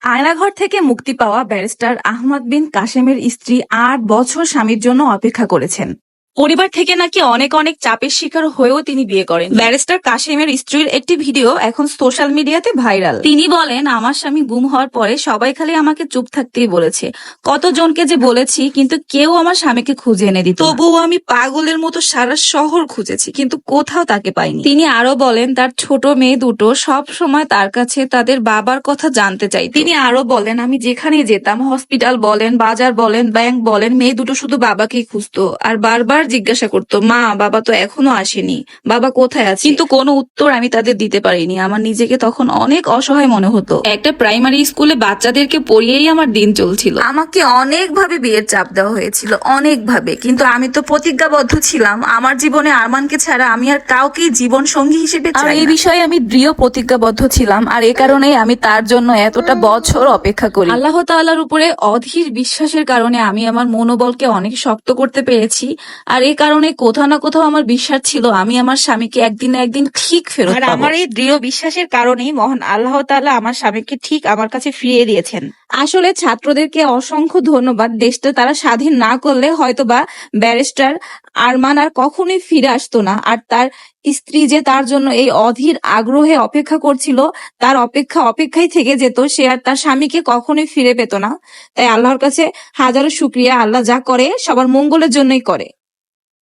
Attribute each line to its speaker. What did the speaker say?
Speaker 1: আয়নাঘর থেকে মুক্তি পাওয়া ব্যারিস্টার আহমদ বিন কাসেমের স্ত্রী ৮ বছর স্বামীর জন্য অপেক্ষা করেছেন। পরিবার থেকে নাকি অনেক অনেক চাপের শিকার হয়েও তিনি বিয়ে করেন। ব্যারিস্টার কাসেমের স্ত্রীর একটি ভিডিও এখন সোশ্যাল মিডিয়াতে ভাইরাল। তিনি বলেন, আমার স্বামী গুম হওয়ার পরে সবাই খালি আমাকে চুপ থাকতেই বলেছে। কতজনকে যে বলেছি, কিন্তু কেউ আমার স্বামীকে খুঁজে এনে দিত না। তবুও আমি পাগলের মতো সারা শহর খুঁজেছি, কিন্তু কোথাও তাকে পাইনি। তিনি আরো বলেন, তার ছোট মেয়ে দুটো সব সময় তার কাছে তাদের বাবার কথা জানতে চাই। তিনি আরো বলেন, আমি যেখানে যেতাম, হসপিটাল বলেন, বাজার বলেন, ব্যাংক বলেন, মেয়ে দুটো শুধু বাবাকেই খুঁজতো আর বারবার জিজ্ঞাসা করতো, মা বাবা তো এখনো আসেনি, বাবা কোথায় আছে? কিন্তু কোনো উত্তর আমি তাদের দিতে পারিনি। আমার নিজেকে তখন অনেক অসহায় মনে হতো। একটা প্রাইমারি স্কুলে বাচ্চাদেরকে পড়িয়েই আমার দিন চলছিল। আমাকে অনেকভাবে বিয়ের চাপ দেওয়া হয়েছিল, অনেকভাবে, কিন্তু আমি তো প্রতিজ্ঞাবদ্ধ ছিলাম, আমার জীবনে আরমানকে ছাড়া আমি আর কাউকেই জীবন সঙ্গী হিসেবে চাই না। এই বিষয়ে আমি দৃঢ় প্রতিজ্ঞাবদ্ধ ছিলাম, আর এ কারণেই আমি তার জন্য এতটা বছর অপেক্ষা করি। আল্লাহ তাআলার উপরে অধীর বিশ্বাসের কারণে আমি আমার মনোবলকে অনেক শক্ত করতে পেরেছি। আর এই কারণে কোথাও না কোথাও আমার বিশ্বাস ছিল আমি আমার স্বামীকে একদিন না একদিন ঠিক ফেরত পাবো। আর আমার এই দৃঢ় বিশ্বাসের কারণেই মহান আল্লাহ তাআলা আমার স্বামীকে ঠিক আমার কাছে ফিরিয়ে দিয়েছেন। আসলে ছাত্রদেরকে অসংখ্য ধন্যবাদ। দেশটা তারা স্বাধীন না করলে হয়তোবা ব্যারিস্টার আরমান আর কখনোই ফিরে আসতো না। আর তার স্ত্রী যে তার জন্য এই অধীর আগ্রহে অপেক্ষা করছিল, তার অপেক্ষায় থেকে যেত, সে আর তার স্বামীকে কখনোই ফিরে পেত না। তাই আল্লাহর কাছে হাজারো শুকরিয়া। আল্লাহ যা করে সবার মঙ্গলের জন্যই করে।